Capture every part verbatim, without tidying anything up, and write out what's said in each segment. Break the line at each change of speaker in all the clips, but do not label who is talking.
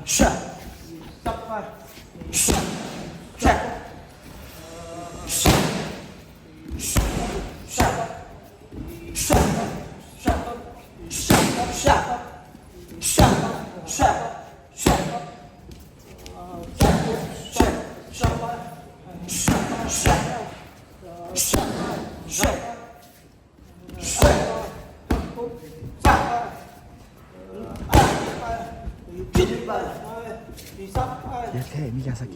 shut, stop, shut, shut, shut, shut, shut, shut, shut, shut, shut, shut, shut, shut,
เยอะแค่มิยาสกิ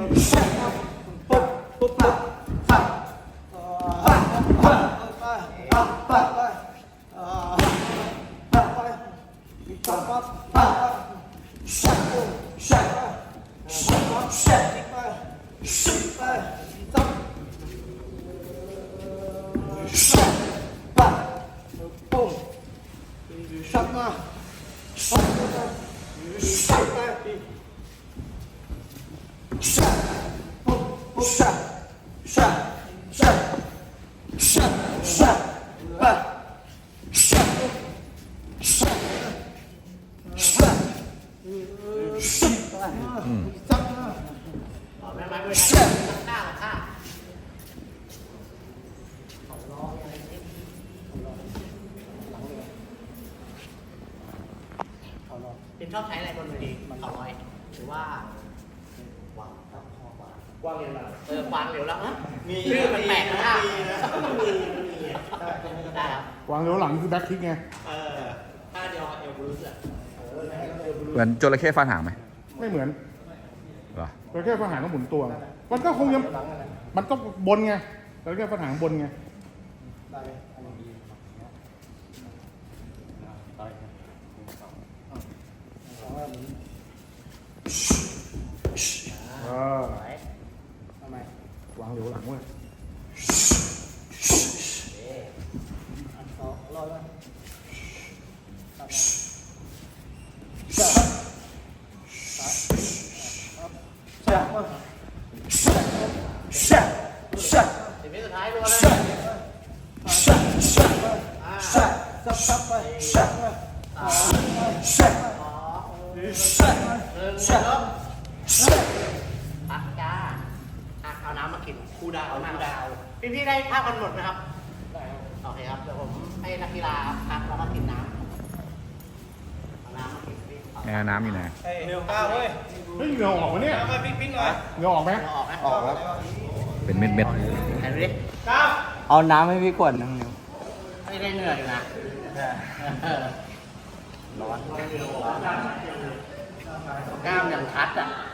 เป็นชอบใช้อะไรบนเวทีเขาร้อยหรือว่าวางวางเร็วแล้วเออวางเร็วแล้วนะมีชื่อมันแปลกนะได้ครับ
วางเร็วหลังคือแบ็คคิกไง
เออถ้าเดียวเอลบรูซอ่ะ
เหมือนจระเข้ฟาดหางไหม
ไม่เหมือน
เหรอ
แต่แค่ปัญหาต้องหมุนตัว มันก็คงยังมันก็บนไงแต่แค่ปัญหาบนไงเออวางเร็วหลังเว้ย
สิบวิสุดท้ายดูนะพักจ้าเอาน้ำมากินคูดาวคูดาวพี่พี่ได้ภาพกันหมดไหมครับได้โอเคครับเดี๋ยวผมให้นักกีฬาพักแล้วมากินน้ำเอาน้ำมากินพี่
แอร์น้ำอยู่ไหน
เร็วก้าวเว้ย
เฮ้ยเหงื่อออกวะเนี่ย
มาปิ๊งปิ๊งหน่อย
เหงื่อออกไหม
ออกไหม
ออกแล้ว
เป็นเม็ดเม็ด
ไหนดูดิ
ก้าว
เอาน้ำให้พี่กวดนึงเร็ว
ไม่ได้เหนื่อยอยู่นะร้อนกล้ามยังชัดอ่ะ